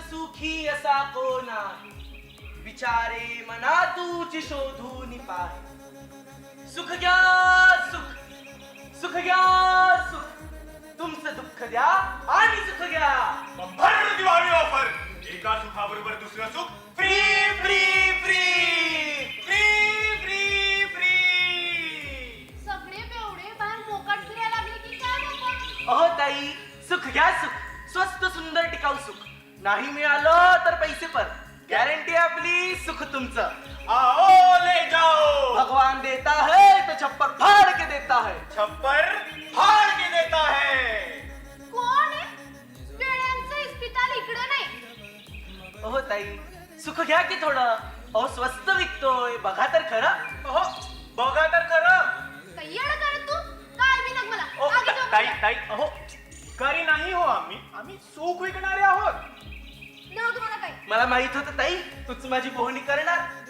सुखी असा कोणा विचारे मना तुझी शोधून पाहे सुख घ्या सुख सुख घ्या सुख तुमचं दुःख द्या आणि सुख घ्या भर दिवाळी ऑफर एका सुखाबरोबर दुसरं सुख free free free free free free सगळे बेवडे बाहेर मोकाट फिरायला लागले की काय बाबा? अहो ताई सुख घ्या सुख स्वस्त सुंदर टिकाऊ सुख नाही मिळालं तर पैसे पर गॅरंटी आपली सुख तुमचं आओ ले जाओ भगवान देता है तो छप्पर फाड़ के देता है छप्पर फाड़ के देता है कोण आहे? वेड्यांचं इस्पितळ इकडे नाही. अहो ताई सुख घ्या की थोडं अहो स्वस्त विकतोय बघा तर खरं हो बघा तर खरं काही येडं करत तू? काय बी नग मला. ओ, आगी जाऊ ताई नका. ताई अहो करी नाही हो आम्ही सुख विकणारे आहोत नग म्हणा काही. मला माहित होतं ताई तूच माझी पोहणी करणार